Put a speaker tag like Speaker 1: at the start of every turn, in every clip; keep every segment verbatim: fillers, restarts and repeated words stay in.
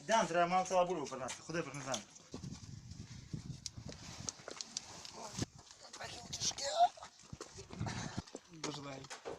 Speaker 1: Йдемо, треба мало ціла бульбу принести. Ходи, принесемо.
Speaker 2: Божлей.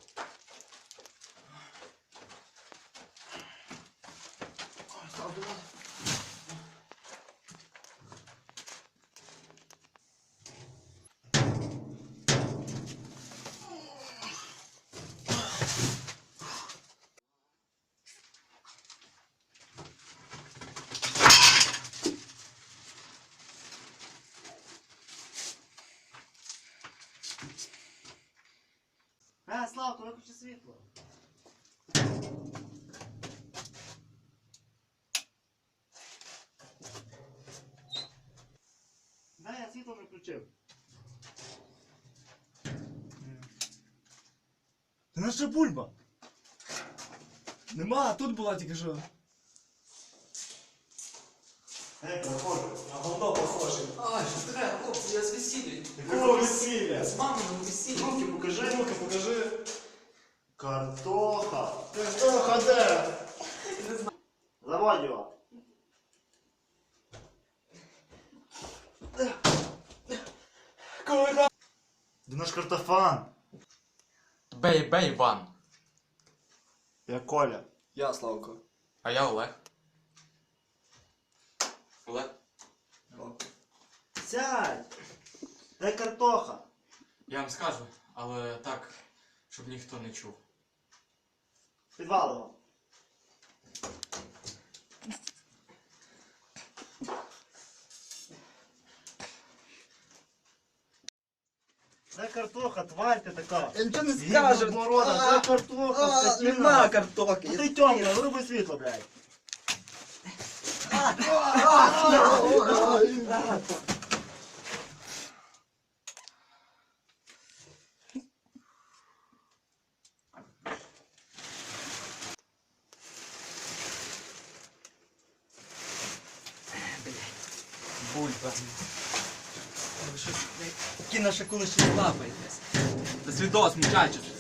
Speaker 1: Е, Славко, виключи світло. Да, я світло не включив. Та наша бульба?
Speaker 2: Нема, тут була тільки що.
Speaker 1: Е, переходжу.
Speaker 2: На говно похоже. Ай, що треба, хлопці, я з весілля.
Speaker 1: Якого весілля?
Speaker 2: З маминого весілля.
Speaker 1: Руки покажи.
Speaker 2: Руки покажи.
Speaker 1: Картоха. Картоха де?
Speaker 2: Не знаю.
Speaker 1: Заводь його.
Speaker 2: Коли там?
Speaker 1: Де наш картофан?
Speaker 3: Бей, бей, Іван.
Speaker 1: Я Коля.
Speaker 2: Я, Славко.
Speaker 3: А я Олег. Олег?
Speaker 1: Сядь! Де картоха?
Speaker 3: Я вам скажу, але так, щоб ніхто не чув.
Speaker 1: Підвал його. Де картоха, тварь ти така?
Speaker 2: Я нічого не
Speaker 1: Гівно
Speaker 2: скажу.
Speaker 1: морода,
Speaker 2: А,
Speaker 1: де картоха,
Speaker 2: а,
Speaker 1: скотина?
Speaker 2: Нема картоки.
Speaker 1: Ну ти тьомка, вируби світло, блядь.
Speaker 2: Бульба. Ви щось, такі наші коли ще лапаєтесь. До свідос, мучачество.